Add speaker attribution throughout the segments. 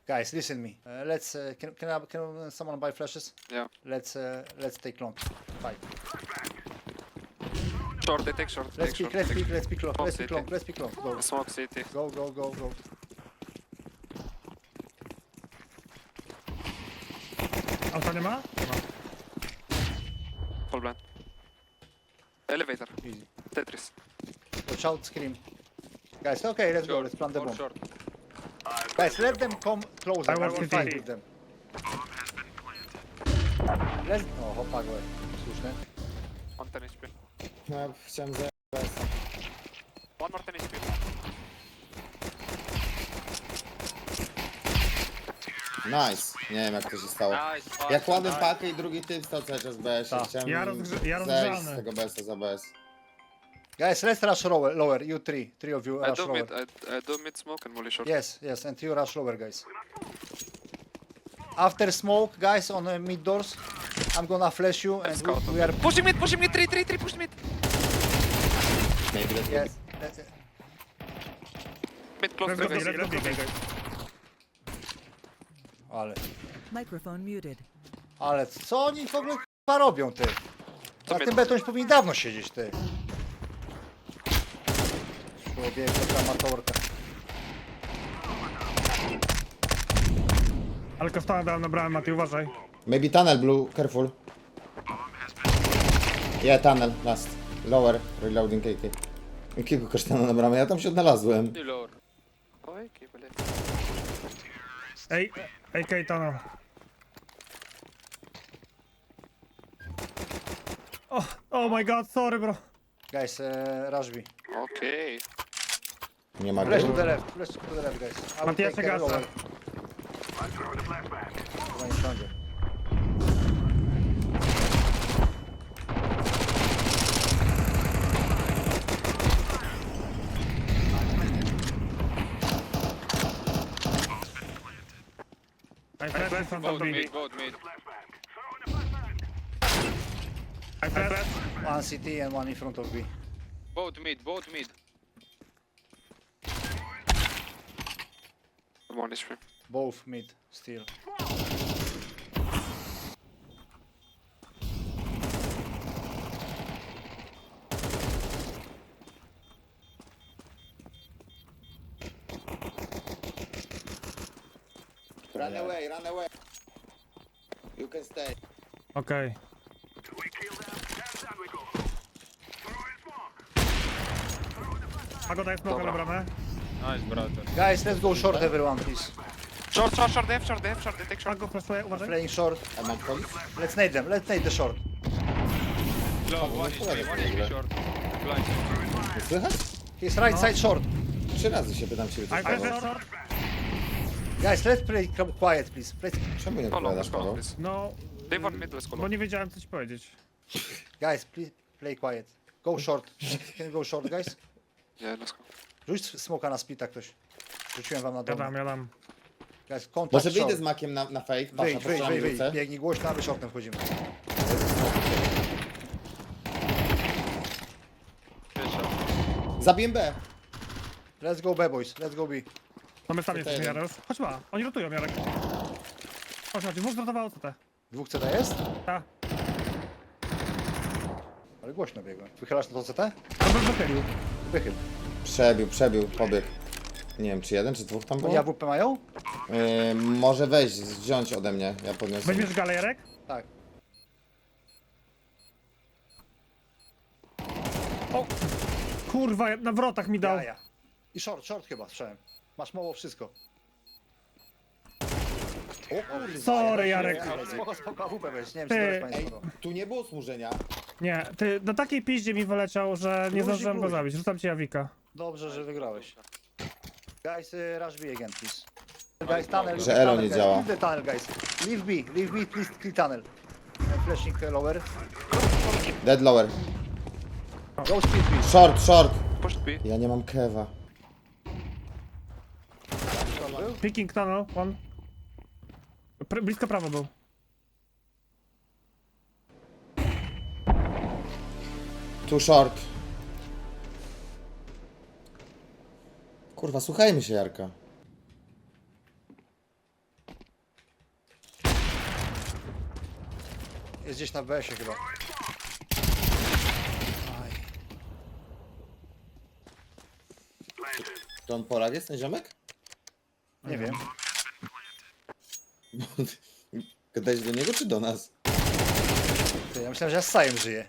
Speaker 1: Guys, listen me. Let's can someone buy flashes?
Speaker 2: Yeah.
Speaker 1: Let's take long. Fight.
Speaker 2: Short, they take short.
Speaker 1: Let's
Speaker 2: Take
Speaker 1: pick.
Speaker 2: short.
Speaker 1: Let's
Speaker 2: take
Speaker 1: pick. Let's pick long.
Speaker 2: Smoke
Speaker 1: Let's pick
Speaker 2: city.
Speaker 1: long. Let's pick long. Go.
Speaker 2: Smoke city.
Speaker 1: Go. Go. Go. Go.
Speaker 3: Auta nie ma?
Speaker 2: Full blind. Elevator.
Speaker 1: Easy.
Speaker 2: Tetris.
Speaker 1: Watch out. Scream. Guys, okay. Let's go. Let's plant the bomb.
Speaker 2: Short.
Speaker 1: Guys, let them come closer.
Speaker 3: I
Speaker 1: I
Speaker 3: want
Speaker 1: will
Speaker 3: to
Speaker 1: fight
Speaker 3: see.
Speaker 1: with them. Let's... O, hopa go. Słuszne.
Speaker 2: On 10 HP.
Speaker 4: No, chciałem za...
Speaker 2: One more 10 HP.
Speaker 4: Nice. Nie wiem jak to się stało.
Speaker 2: Nice.
Speaker 4: Jak kładłem pakę i drugi typ stał cały czas BS.
Speaker 1: Tak.
Speaker 4: Chciałem
Speaker 3: Ja
Speaker 4: zejść
Speaker 3: rozgrzany.
Speaker 4: z tego BS-a za BS.
Speaker 1: Guys, let's rush lower. You three. Three of you
Speaker 2: I
Speaker 1: rush
Speaker 2: do
Speaker 1: lower.
Speaker 2: mid. I do mid smoke and molly short.
Speaker 1: Yes, yes, and you rush lower, guys. After smoke, guys, on mid doors, I'm gonna flash you and
Speaker 2: Scout.
Speaker 1: we are...
Speaker 2: Pushing mid. 3, push mid.
Speaker 4: Maybe let's
Speaker 1: Yes.
Speaker 2: Mid close.
Speaker 3: Let's go,
Speaker 2: guys.
Speaker 3: let's go, guys.
Speaker 5: Microphone muted.
Speaker 1: Ale co oni w ogóle k***a robią, ty?
Speaker 2: Co
Speaker 1: Na
Speaker 2: my-
Speaker 1: tym betonie już powinni dawno siedzieć, ty. Człowiek, amatorka.
Speaker 3: Ale kostana dałem na bramę, Mati, uważaj.
Speaker 4: Maybe tunnel blue, careful. Yeah, tunnel, last. Lower, reloading KK. Jakiego kasztana na bramę? Ja tam się odnalazłem.
Speaker 2: Lower. Oj, kibele.
Speaker 3: Ej, AK tunnel. Oh my god, sorry bro.
Speaker 1: Guys, rush B.
Speaker 2: Okej.
Speaker 4: Nie ma
Speaker 1: Flash to
Speaker 4: go.
Speaker 1: the left, flash to the left, guys. I will
Speaker 3: Matias,
Speaker 1: take care
Speaker 3: gasa.
Speaker 1: lower. Chyba nie wsiądzie.
Speaker 3: I flash in front of
Speaker 2: Both
Speaker 3: me.
Speaker 2: mid. Both mid.
Speaker 3: I flash.
Speaker 1: One CT and one in front of B.
Speaker 2: Both mid. Both mid. One is free.
Speaker 1: Both mid, still.
Speaker 4: Run away, run away. You can stay.
Speaker 3: Okej. Pago daje smoka na bramę.
Speaker 1: Guys, let's go short everyone, please.
Speaker 2: Short. They have short. They take short.
Speaker 3: Pago flashuje, uważaj.
Speaker 1: Playing short.
Speaker 4: A mam wchodzić?
Speaker 1: Let's nade them. Let's nade the short.
Speaker 2: Low. One is short. Blind.
Speaker 4: Nie słychać?
Speaker 1: He's right side short.
Speaker 4: 3 razy się pytam ciebie, co
Speaker 3: I flash
Speaker 4: stało.
Speaker 3: short.
Speaker 1: Guys, let's play quiet, please.
Speaker 4: Czemu nie
Speaker 2: Follow.
Speaker 4: odpowiadasz,
Speaker 2: Let's go.
Speaker 4: Paweł?
Speaker 2: Please.
Speaker 3: No,
Speaker 2: They want mid. Let's go.
Speaker 3: bo nie wiedziałem co ci powiedzieć.
Speaker 1: Guys, please play quiet. Go short. Can you go short, guys?
Speaker 2: Yeah, let's go.
Speaker 1: Rzuć smoka na splita ktoś. Rzuciłem wam na dom.
Speaker 3: Jadam.
Speaker 1: Guys, kontakt
Speaker 4: Może wyjdę
Speaker 1: short.
Speaker 4: z makiem na fake, patrz, na
Speaker 1: Wyjdź.
Speaker 4: wrócę.
Speaker 1: Biegnij głośno, a my shortem wchodzimy.
Speaker 4: Zabiję B.
Speaker 1: Let's go B, boys. Let's go B.
Speaker 3: No my sami
Speaker 4: Tutaj
Speaker 3: jesteśmy,
Speaker 4: jeden.
Speaker 3: Jaros. Chodź ma, oni rotują, Jarek. Chodź, dwóch zrotowało CT.
Speaker 1: Dwóch CT jest?
Speaker 3: Ta.
Speaker 1: Ale głośno biegłem. Wychylasz na to CT?
Speaker 3: To bym wychylił.
Speaker 1: Wychyl.
Speaker 4: Przebił, pobiegł. Nie wiem, czy jeden, czy dwóch tam
Speaker 1: Oni
Speaker 4: było?
Speaker 1: AWP mają?
Speaker 4: Może wejść, wziąć ode mnie, ja podniosę.
Speaker 3: Weźmiesz galę, Jarek?
Speaker 1: Tak.
Speaker 3: O! Kurwa, na wrotach mi dał.
Speaker 1: Ja. I short chyba, słyszałem. Masz mało wszystko.
Speaker 3: Sorry, Jarek.
Speaker 1: Spoko, AWP weź. Nie wiem, czy
Speaker 3: Ty.
Speaker 1: teraz państwo.
Speaker 4: Tu nie było smużenia.
Speaker 3: Nie, ty na takiej piździe mi wyleciał, że nie zdążyłem go
Speaker 1: luzik.
Speaker 3: zabić. Rzucam ci Jawika.
Speaker 1: Dobrze, że wygrałeś. Guys, rush B again, please. Guys, tunnel.
Speaker 4: Że elo
Speaker 1: tunnel,
Speaker 4: nie
Speaker 1: guys.
Speaker 4: działa.
Speaker 1: Leave the tunnel, guys. Leave B, please, clear tunnel. Flashing lower.
Speaker 4: Dead lower.
Speaker 1: Go speed B.
Speaker 4: Short.
Speaker 2: Push B.
Speaker 4: Ja nie mam kewa.
Speaker 3: Picking tunnel, one. Blisko prawo był.
Speaker 4: Tu short. Kurwa, słuchajmy się, Jarka.
Speaker 1: Jest gdzieś na BS-ie chyba. Aj.
Speaker 4: To on Polak jest, ten ziomek?
Speaker 1: Nie wiem.
Speaker 4: Gadałeś do niego czy do nas?
Speaker 1: Ty, ja myślałem, że ja z Sajem żyję.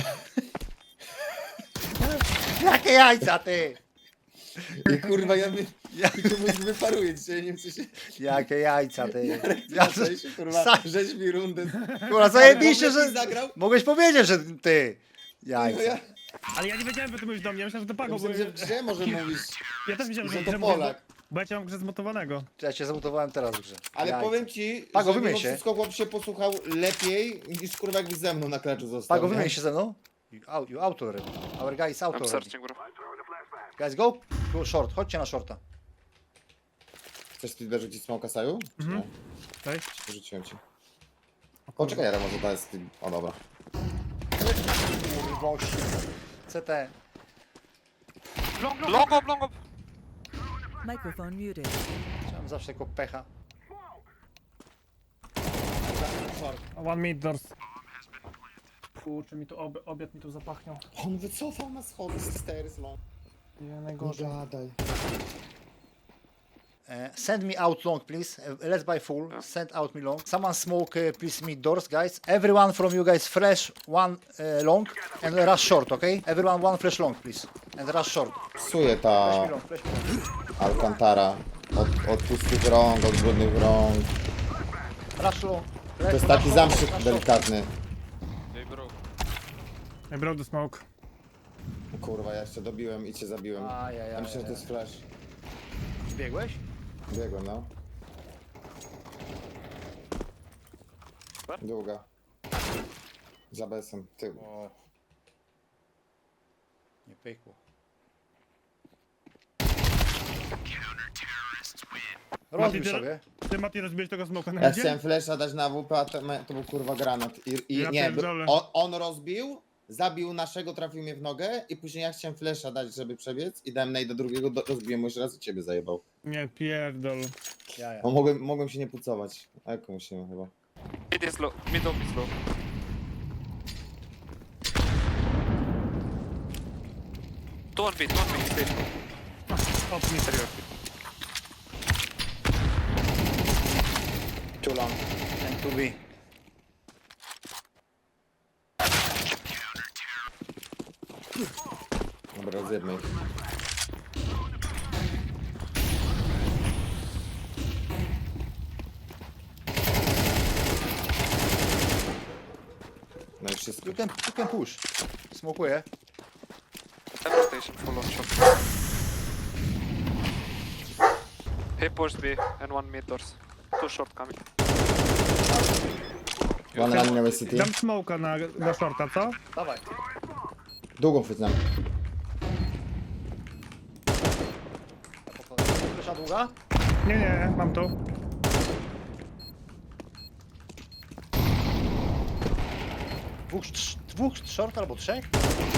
Speaker 1: Jakie jajca, ty!
Speaker 4: I kurwa, ja mi czemuś wyparuję dzisiaj, nie wiem co się...
Speaker 1: Jakie jajca, ty!
Speaker 4: Ja się, kurwa,
Speaker 1: Sa-
Speaker 4: żeś mi rundę.
Speaker 1: Kurwa, zajebiście,
Speaker 4: Mogłeś
Speaker 1: że...
Speaker 4: mi zagrał?
Speaker 1: Mogłeś powiedzieć, że ty!
Speaker 4: No
Speaker 1: Jajca.
Speaker 4: ja
Speaker 3: Ale ja nie wiedziałem, że ty mówisz do mnie, myślałem, że to Pago, bo
Speaker 4: myślałem, że grze może mówisz,
Speaker 3: ja też myślałem,
Speaker 4: że
Speaker 3: że
Speaker 4: to
Speaker 3: że
Speaker 4: Polak.
Speaker 3: bo ja cię mam grę zmutowanego.
Speaker 1: Ja cię zamutowałem teraz w grze.
Speaker 4: Ale
Speaker 1: Jajca.
Speaker 4: powiem ci,
Speaker 1: Pago,
Speaker 4: że
Speaker 1: wymień
Speaker 4: mimo
Speaker 1: się.
Speaker 4: wszystko chłop się posłuchał lepiej niż kurwa jakby ze mną na klaczu został.
Speaker 1: Pago,
Speaker 4: nie?
Speaker 1: wymień się ze mną. You out already. Our guy is out
Speaker 2: I'm
Speaker 1: already.
Speaker 2: searching, bro.
Speaker 1: Guys, go. Go short. Chodźcie na shorta.
Speaker 4: Chcesz ty dorzucić smoka Saju? Czy nie?
Speaker 3: Cześć.
Speaker 4: Rzuciłem ci. Poczekaj, Jara, może to jest... O dobra.
Speaker 1: Kurwości. CT.
Speaker 2: Long up, long up.
Speaker 5: Microphone muted.
Speaker 1: Chciałem zawsze tylko pecha.
Speaker 3: One mid doors. Kurczę, mi tu obiad mi tu zapachniał.
Speaker 4: On wycofał na schody z stairs, no.
Speaker 3: Nie, najgorzej.
Speaker 4: Gadaj.
Speaker 1: Send me out long, please. Let's buy full. Send out me long. Someone smoke, please, mid doors, guys. Everyone from you guys, flash one long and rush short, okay? Everyone one flash long, please. And rush short.
Speaker 4: Psuje ta
Speaker 1: Flash me long, flash me long.
Speaker 4: Alcantara. Od pustych rąk, od brudnych rąk.
Speaker 1: Rush long.
Speaker 4: To jest taki zamszyk delikatny.
Speaker 2: They broke.
Speaker 3: I broke the smoke.
Speaker 4: Kurwa, ja jeszcze dobiłem i cię zabiłem. Ja myślę, że to jest flash.
Speaker 1: Biegłeś?
Speaker 4: Biegłem, no. Długa. Za besem. Ty.
Speaker 1: O. Nie pykło. Rozbił
Speaker 3: Mati,
Speaker 1: sobie.
Speaker 3: Ty, Mati, rozbiłeś tego smoka na
Speaker 4: Ja
Speaker 3: idzie?
Speaker 4: chciałem flasha dać na AWP, a to był kurwa granat. I
Speaker 3: Ja
Speaker 4: nie,
Speaker 3: pierdolę.
Speaker 4: on rozbił, zabił naszego, trafił mnie w nogę i później ja chciałem flasha dać, żeby przebiec i dałem do drugiego, rozbiłem mu jeszcze raz i ciebie zajebał.
Speaker 3: Nie, pierdol.
Speaker 1: Ja.
Speaker 4: No, mogłem się nie pucować. A jak musimy chyba.
Speaker 2: Mid is low. Mid up is low. Two on B, stay.
Speaker 3: Stop me.
Speaker 2: Interior.
Speaker 1: Too long. And to be.
Speaker 4: Dobra, rozjebmy ich. No i wszystko.
Speaker 1: You can push. Smokuję.
Speaker 2: Teleportation full on shot. He pushed B and one mid doors. Two short coming.
Speaker 4: One run miałeś city.
Speaker 3: Dam smoka na shorta, co?
Speaker 1: Dawaj.
Speaker 4: Długą chwycam.
Speaker 1: Flesza długa?
Speaker 3: Nie, mam tu.
Speaker 1: Dwóch short albo trzech?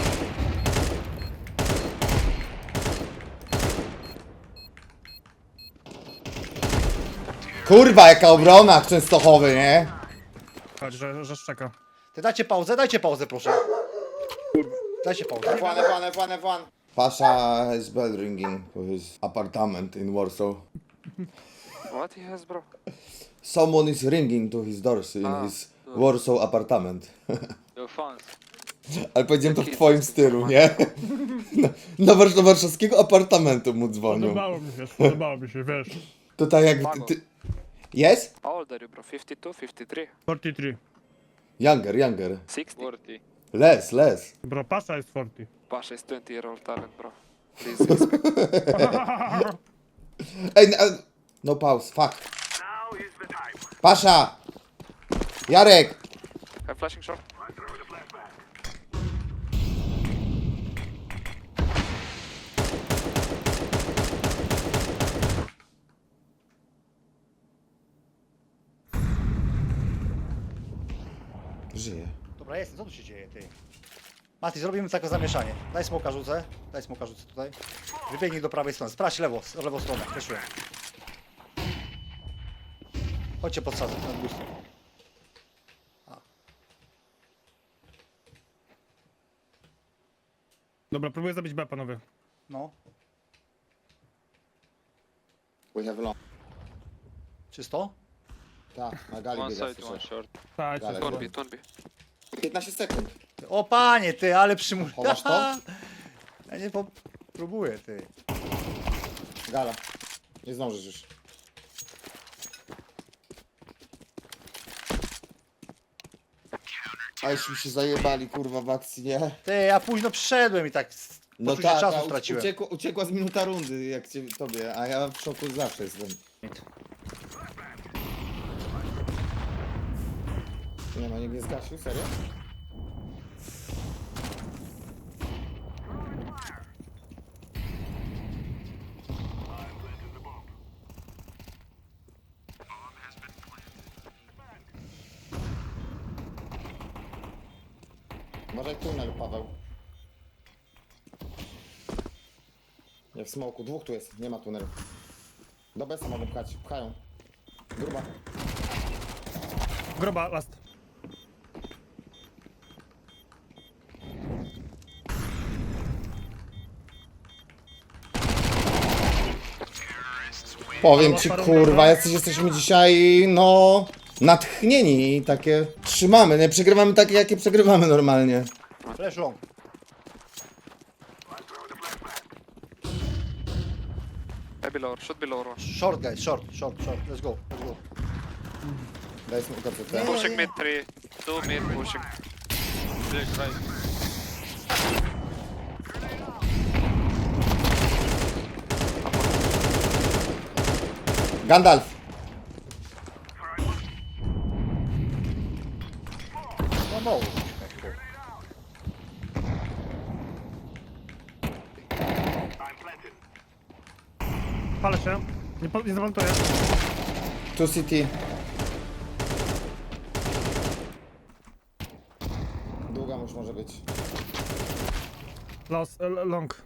Speaker 4: Kurwa, jaka obrona w Częstochowy, nie?
Speaker 3: Chodź, że szczeka.
Speaker 1: Ty dajcie pauzę proszę. Dajcie pauzę.
Speaker 4: F1. Pasha has bell ringing to his apartment in Warsaw.
Speaker 2: What he has, bro?
Speaker 4: Someone is ringing to his doors in his Warsaw apartment.
Speaker 2: Your fans.
Speaker 4: Ale powiedziałem to w twoim stylu, nie? Do warszawskiego apartamentu mu dzwonią.
Speaker 3: Podobało mi się, wiesz.
Speaker 4: To tak jak ty... Yes?
Speaker 2: How old are you, bro? 52, 53?
Speaker 3: 43.
Speaker 4: Younger.
Speaker 2: 60? 40.
Speaker 4: Less.
Speaker 3: Bro, Pasha jest 40.
Speaker 2: Pasha is 20-year-old talent, bro. Please respect.
Speaker 4: Ej, no pause, fuck. Pasha! Jarek!
Speaker 2: I'm flashing short.
Speaker 4: Żyje.
Speaker 1: Dobra, jest, co tu się dzieje, ty? Mati, zrobimy takie zamieszanie. Daj smoka rzucę tutaj. Wybiegnij do prawej strony, sprawdź lewą stronę, fleszuję. Chodźcie podsadzę, na drugą stronę.
Speaker 3: Dobra, próbuję zabić B, panowie.
Speaker 1: No,
Speaker 4: We have long.
Speaker 1: czysto?
Speaker 4: Tak, na gali
Speaker 6: One
Speaker 4: biega,
Speaker 6: side, one
Speaker 4: słyszę.
Speaker 6: short.
Speaker 3: Tak,
Speaker 4: Dalej.
Speaker 2: One B, one B.
Speaker 4: 15 sekund.
Speaker 1: O panie, ty, ale przymus...
Speaker 4: Chowasz to?
Speaker 1: Ja nie próbuję, ty.
Speaker 4: Gala. Nie zdążysz już. A już mi się zajebali, kurwa, w akcji, nie?
Speaker 1: Ty, ja późno przyszedłem i tak
Speaker 4: No
Speaker 1: poczucie
Speaker 4: tak,
Speaker 1: czasu
Speaker 4: a
Speaker 1: straciłem.
Speaker 4: uciekła z minuta rundy, jak tobie, a ja w szoku zawsze jestem. Nie ma, nikt nie zgasił, serio? Może tunel, Paweł. Nie, w smoku, dwóch tu jest, nie ma tunelu. Do besa mogą pchać, pchają. Gruba.
Speaker 3: Groba, last.
Speaker 4: Powiem ci, kurwa, jesteśmy dzisiaj, no, natchnieni i takie trzymamy, nie przegrywamy takie, jakie przegrywamy normalnie.
Speaker 1: Flash long.
Speaker 2: Maybe lower, should be lower one.
Speaker 1: Short, guys, short. Let's go.
Speaker 4: Daj smoka CT.
Speaker 1: Nie.
Speaker 2: Pushing mid 3, 2 mid pushing.
Speaker 6: Big right.
Speaker 4: Gandalf.
Speaker 1: No.
Speaker 3: Palę się. Nie zawaltuję.
Speaker 4: Tu City. Długa już może być.
Speaker 3: Long.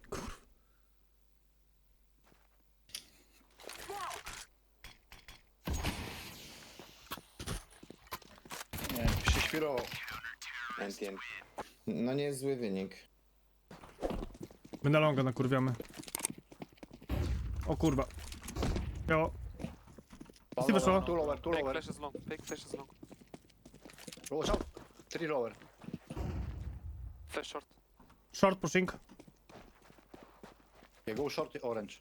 Speaker 1: Nie, przyświrował.
Speaker 4: No nie jest zły wynik.
Speaker 3: My na longa nakurwiamy. O kurwa. Jo. Jest wyszło.
Speaker 1: Two lower.
Speaker 2: Big flash is long, big flash is long.
Speaker 1: Watch out. 3 lower.
Speaker 2: Flash short.
Speaker 3: Short pushing.
Speaker 1: Okay, go short orange.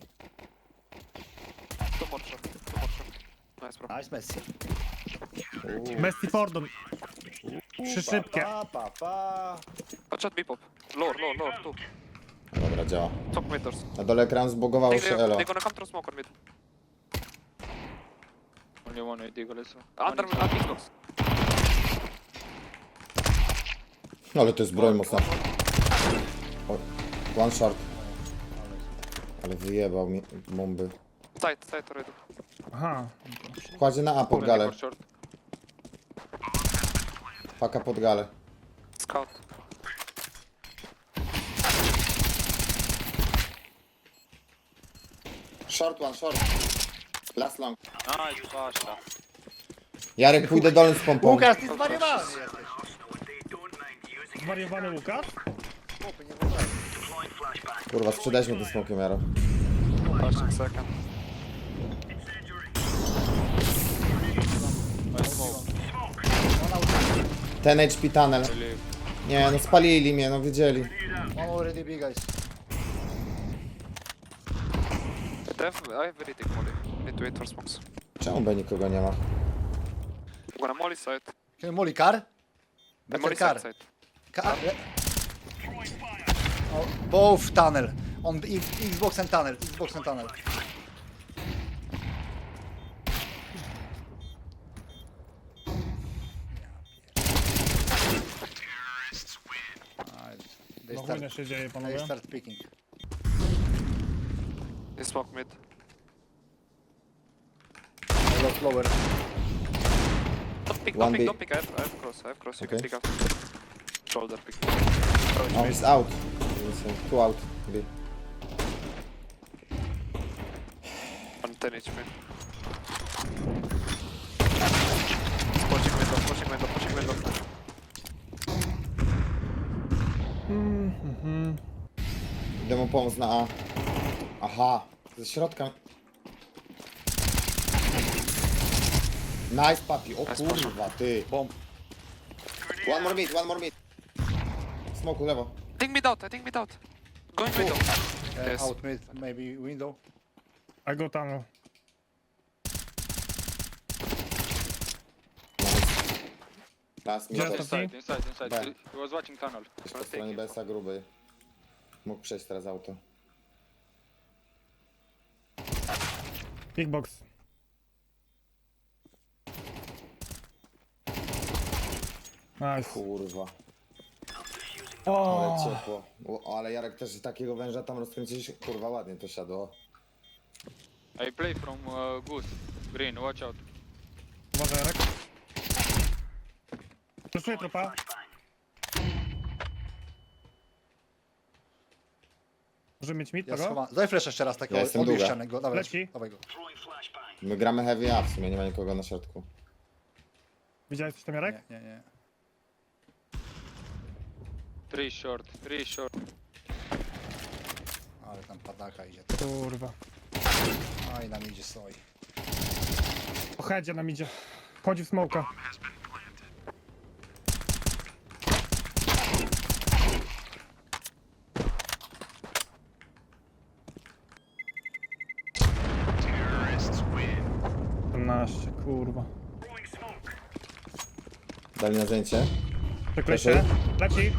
Speaker 2: Two more short. Nice bro.
Speaker 1: Nice Messi.
Speaker 3: Messi Fordon. Trzy szybkie.
Speaker 1: Pa.
Speaker 2: Watch out B-pop. Lower, 2.
Speaker 4: Dobra, działa.
Speaker 2: Top mid doors.
Speaker 4: Na dole ekran zbogowało się elo.
Speaker 2: They're gonna come through smoke on mid.
Speaker 6: Only one deagle is.
Speaker 2: Under Xbox.
Speaker 4: No ale to jest broń mocna. O, one short. Ale wyjebał mi bomby.
Speaker 2: Side already.
Speaker 3: Aha.
Speaker 4: Kładzie na A pod galę.
Speaker 6: Short.
Speaker 4: Paka pod galę.
Speaker 2: Scout.
Speaker 4: Short one, short. Last long.
Speaker 6: Nice, basta.
Speaker 4: Jarek, pójdę dolny z pompą.
Speaker 1: Łukasz, ty zwariowany jesteś.
Speaker 3: Zwariowany Łukasz?
Speaker 1: Chłopy, nie wyobrażam.
Speaker 4: Kurwa, sprzedaliśmy tym smokiem, Jaro.
Speaker 2: Flashing second.
Speaker 6: I smoke.
Speaker 4: 10 HP tunnel.
Speaker 6: Really.
Speaker 4: Nie, no spalili mnie, no wiedzieli.
Speaker 1: One already big, guys.
Speaker 2: I have very thick molly. Need to wait for smokes.
Speaker 4: Czemu B nikogo nie ma?
Speaker 2: I'm gonna molly side.
Speaker 1: Can you molly car?
Speaker 2: And
Speaker 1: Better
Speaker 2: molly
Speaker 1: car.
Speaker 2: side.
Speaker 1: Car. Oh, both tunnel. On the Xbox and tunnel. They
Speaker 3: No
Speaker 1: start,
Speaker 3: chujnie się dzieje,
Speaker 1: they
Speaker 3: panowie.
Speaker 1: start picking.
Speaker 2: They smoke mid.
Speaker 1: I lost lower.
Speaker 2: Don't pick,
Speaker 4: One
Speaker 2: don't pick,
Speaker 4: B.
Speaker 2: don't pick. I have cross. You
Speaker 4: Okay.
Speaker 2: can pick up. Shoulder pick.
Speaker 4: Oh, he's out. Two out. B.
Speaker 2: On 10 HP. Pushing window.
Speaker 3: Mhm.
Speaker 4: pomóc na A. Aha, ze środka. Nice, papi. O kurwa, ty.
Speaker 1: Bomb.
Speaker 4: One more mid. Smoku lewo.
Speaker 2: I think mid out, Going middle. Yes.
Speaker 1: Out mid, maybe window.
Speaker 3: I go tunnel.
Speaker 4: Last mid.
Speaker 3: Just
Speaker 4: też.
Speaker 6: Inside.
Speaker 4: B.
Speaker 6: He was watching tunnel.
Speaker 4: Po stronie BS-a gruby. Mógł przejść teraz auto.
Speaker 3: Big box. Nice.
Speaker 4: Kurwa,
Speaker 3: O,
Speaker 4: ale ciepło. O, ale Jarek też takiego węża tam rozkręciłeś. Kurwa, ładnie to siadło.
Speaker 6: I play from Goose. Green, watch out.
Speaker 3: uważaj, Jarek. Przeszuję trupa. Możemy mieć mid
Speaker 1: Ja
Speaker 3: tego?
Speaker 1: schowam. Daj flash jeszcze raz takiego
Speaker 4: Ja jestem
Speaker 1: obieścianego. Dawaj,
Speaker 3: Leci.
Speaker 1: dawaj go.
Speaker 4: My gramy heavy A w sumie, nie ma nikogo na środku.
Speaker 3: Widziałeś coś tam, Jarek?
Speaker 1: Nie.
Speaker 6: Three short.
Speaker 1: Ale tam padaka idzie.
Speaker 3: Kurwa.
Speaker 1: Aj, nam idzie stoi.
Speaker 3: O headzie nam idzie. Wchodzi w smoka. Kurwa.
Speaker 4: Dali na zdjęcie.
Speaker 3: Przekleście. Leci.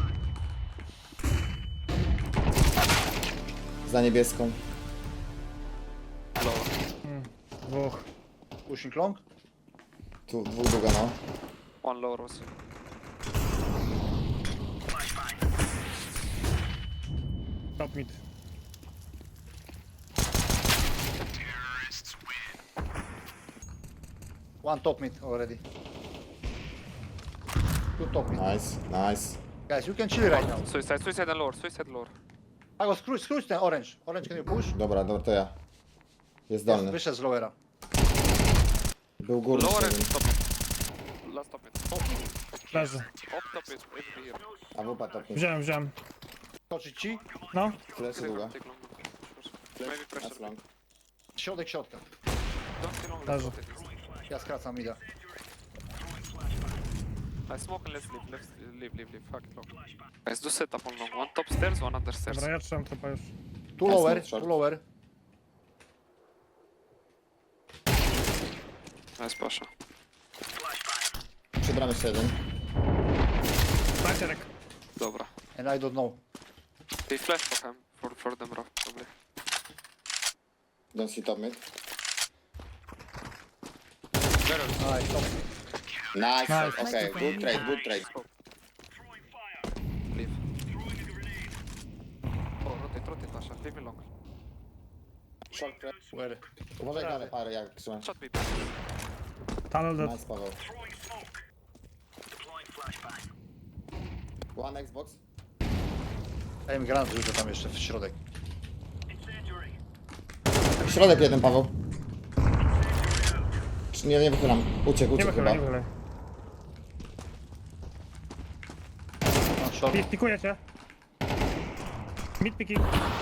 Speaker 4: Za niebieską.
Speaker 3: Dwóch.
Speaker 1: Pushing long.
Speaker 4: Tu dwóch długa, no.
Speaker 2: One lower was.
Speaker 3: Top mid.
Speaker 1: One top mid already. Two top mid.
Speaker 4: Nice.
Speaker 1: Guys, you can chill right now.
Speaker 2: Suicide and lower.
Speaker 1: I go screw ten orange. Orange, can you push?
Speaker 4: Dobra, to ja. Jest dolny.
Speaker 1: Wyszedł z lowera.
Speaker 4: Był górny.
Speaker 2: Lower
Speaker 4: jeden.
Speaker 2: and top. Last top mid.
Speaker 3: Leży.
Speaker 2: Top mid. Every here.
Speaker 4: AWP top mid.
Speaker 3: Wziąłem.
Speaker 1: Toczyć ci.
Speaker 3: No.
Speaker 4: Fleszy długa.
Speaker 2: Take long. Maybe pressure.
Speaker 4: That's long.
Speaker 1: Środek środka.
Speaker 2: Don't see long.
Speaker 3: Leży.
Speaker 1: Ja skracam mida.
Speaker 2: I smoke and let's leave. Fuck it long. Guys, do set up on long. One top stairs, one under stairs.
Speaker 3: Dobra, ja trzymam trupa już.
Speaker 1: Two
Speaker 4: Nice,
Speaker 1: lower,
Speaker 4: nice shot.
Speaker 1: two lower.
Speaker 2: Nice pasha.
Speaker 4: Przy bramie jeszcze jeden.
Speaker 3: Tak, Jarek.
Speaker 2: Dobra.
Speaker 1: And I don't know.
Speaker 2: They flash for him. For them, bro. Probably.
Speaker 4: Don't see top mid.
Speaker 1: Nice, top.
Speaker 4: Nice.
Speaker 3: Nice.
Speaker 4: Okay, good trade.
Speaker 2: Leave. Oh, rotate, Pasha. Leave me long.
Speaker 4: Short trade.
Speaker 1: Where?
Speaker 4: Uważaj na parę, jak trzymasz.
Speaker 2: Shot me.
Speaker 3: Tunnel dead.
Speaker 4: Nice, Paweł. One Xbox.
Speaker 1: Daj mi granat rzucę tam jeszcze w środek.
Speaker 4: Środek jeden, Paweł. Nie wychylam. Uciekł
Speaker 3: Nie
Speaker 4: chyba.
Speaker 3: wychylaj, nie wychylaj.
Speaker 1: No, short.
Speaker 3: Pikuję cię. Mid picking.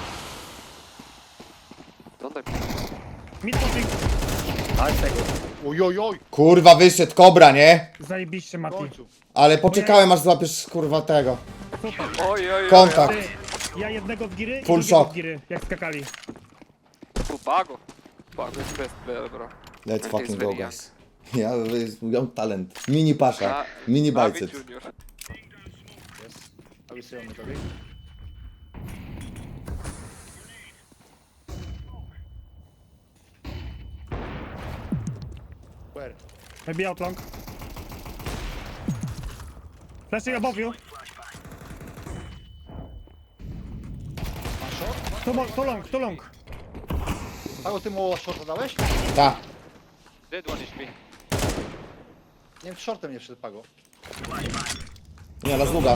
Speaker 2: Don't die.
Speaker 3: Mid pushing.
Speaker 1: Nice tego. Ojojoj.
Speaker 4: Kurwa, wyszedł Kobra, nie?
Speaker 3: Zajebiście,
Speaker 1: W
Speaker 3: Mati.
Speaker 1: końcu.
Speaker 4: Ale poczekałem aż złapiesz kurwa tego.
Speaker 3: Super.
Speaker 2: Oj.
Speaker 4: Kontakt.
Speaker 3: Ty, ja jednego w giry i
Speaker 4: Full
Speaker 3: drugiego
Speaker 4: shock.
Speaker 3: w giry, jak skakali.
Speaker 2: Bago is best player, bro.
Speaker 4: Let's
Speaker 2: And
Speaker 4: fucking
Speaker 2: he's
Speaker 4: go,
Speaker 2: very
Speaker 4: guys. Ja mam talent. Mini pasza. Mini
Speaker 2: David
Speaker 4: biceps.
Speaker 2: Junior.
Speaker 1: Yes. I will see on the topic. Where?
Speaker 3: Maybe out long. Flashing above you. Too long.
Speaker 1: Pago, ty mu shorta dałeś?
Speaker 4: Ta.
Speaker 6: Dead one HP.
Speaker 1: Nie wiem, shortem nie wszedł Pago.
Speaker 4: Nie, na długa.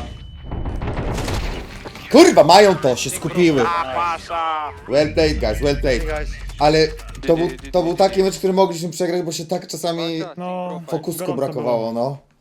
Speaker 4: Kurwa, mają to, się skupiły.
Speaker 2: Pasha!
Speaker 4: Well played, guys, well played.
Speaker 1: Hey guys.
Speaker 4: Ale to był taki mecz, który mogliśmy przegrać, bo się tak czasami
Speaker 3: No,
Speaker 4: fokusku
Speaker 3: gorąco
Speaker 4: brakowało,
Speaker 3: było.
Speaker 4: no.